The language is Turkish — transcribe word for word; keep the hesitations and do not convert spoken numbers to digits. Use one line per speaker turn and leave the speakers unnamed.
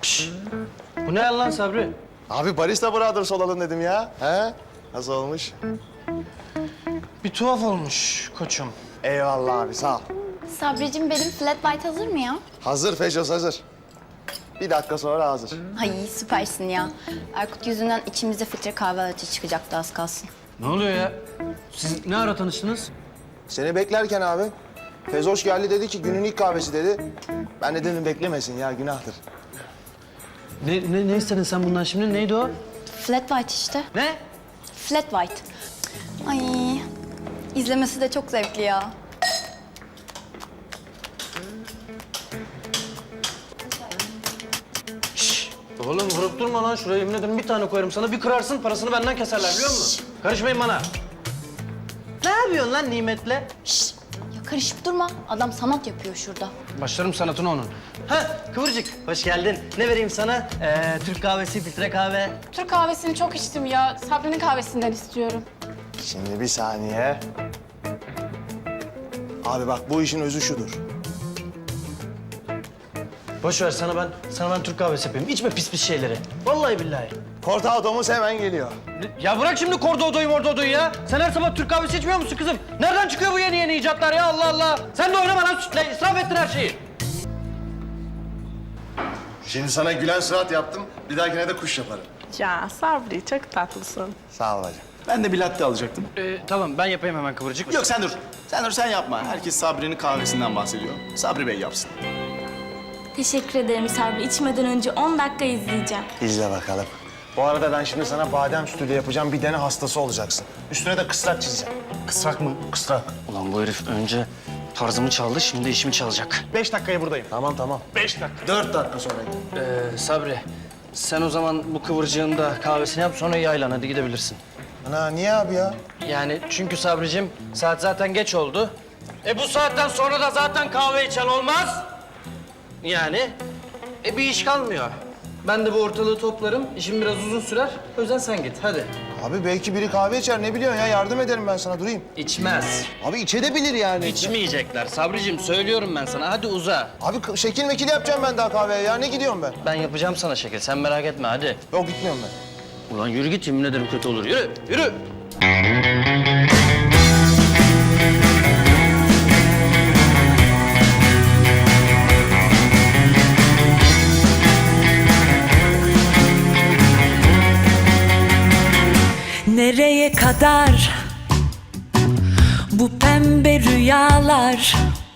Şşş. Bu ne lan Sabri?
Abi Barista Brothers olalım dedim ya. He? Nasıl olmuş?
Bir tuhaf olmuş koçum.
Eyvallah abi sağ ol.
Sabricim benim flat white hazır mı ya?
Hazır Feşos hazır. Bir dakika sonra hazır.
Ay süpersin ya. Erkut yüzünden içimizde filtre kahve latte çıkacaktı az kalsın.
Ne oluyor ya? Siz ne ara tanıştınız?
Seni beklerken abi Fezoş geldi dedi ki günün ilk kahvesi dedi. Ben de dedim beklemesin ya günahtır.
Ne, ne, ne istedin sen bundan şimdi? Neydi o?
Flat white işte.
Ne?
Flat white. Ay izlemesi de çok zevkli ya.
Şşş. Oğlum vurup durma lan şuraya. Yemin ederim bir tane koyarım sana. Bir kırarsın parasını benden keserler biliyor musun? Karışmayın bana. Ne yapıyorsun lan nimetle?
Şşş ya karışıp durma. Adam sanat yapıyor şurada.
Başlarım sanatına onun. Ha Kıvırcık hoş geldin. Ne vereyim sana? Ee, Türk kahvesi, filtre kahve.
Türk kahvesini çok içtim ya. Sabri'nin kahvesinden istiyorum.
Şimdi bir saniye. Abi bak bu işin özü şudur.
Boş ver sana ben sana ben Türk kahvesi yapayım. İçme pis pis şeyleri. Vallahi billahi.
Cortado'muz hemen geliyor.
Ya bırak şimdi Cordodo'yu Mordodo'yu ya. Sen her sabah Türk kahvesi içmiyor musun kızım? Nereden çıkıyor bu yeni yeni icatlar ya Allah Allah. Sen de oynama lan sütle. İsraf ettin her şeyi.
Şimdi sana gülen surat yaptım. Bir dahakine de kuş yaparım.
Ya Sabri çok tatlısın.
Sağ ol hacı.
Ben de bir latte alacaktım.
Ee, tamam ben yapayım hemen Kıvırcık.
Yok sen dur. Sen dur sen yapma. Herkes Sabri'nin kahvesinden bahsediyor. Sabri Bey yapsın.
Teşekkür ederim Sabri. İçmeden önce on dakika izleyeceğim.
İzle bakalım. Bu arada ben şimdi sana badem sütüyle yapacağım bir dene hastası olacaksın. Üstüne de kısrak çizeceğim.
Kısrak mı?
Kısrak.
Ulan bu herif önce tarzımı çaldı şimdi işimi çalacak.
Beş dakikaya buradayım.
Tamam tamam.
Beş dakika.
Dört dakika sonra.
Ee, Sabri sen o zaman bu Kıvırcığın da kahvesini yap sonra yaylan hadi gidebilirsin.
Ana niye abi ya?
Yani çünkü Sabricim saat zaten geç oldu. E bu saatten sonra da zaten kahve içen olmaz. Yani e bir iş kalmıyor. Ben de bu ortalığı toplarım. İşim biraz uzun sürer. O yüzden sen git hadi.
Abi belki biri kahve içer ne biliyorsun ya yardım ederim ben sana durayım.
İçmez.
Abi içebilir yani.
İçmeyecekler Sabricim söylüyorum ben sana. Hadi uza.
Abi k- şekil mekil yapacağım ben daha kahveye ya ne gidiyorum ben?
Ben yapacağım sana şekil. Sen merak etme hadi.
Yok gitmiyorum ben.
Ulan yürü git yemin ederim kötü olur. Yürü, yürü.
Nereye kadar bu pembe rüyalar?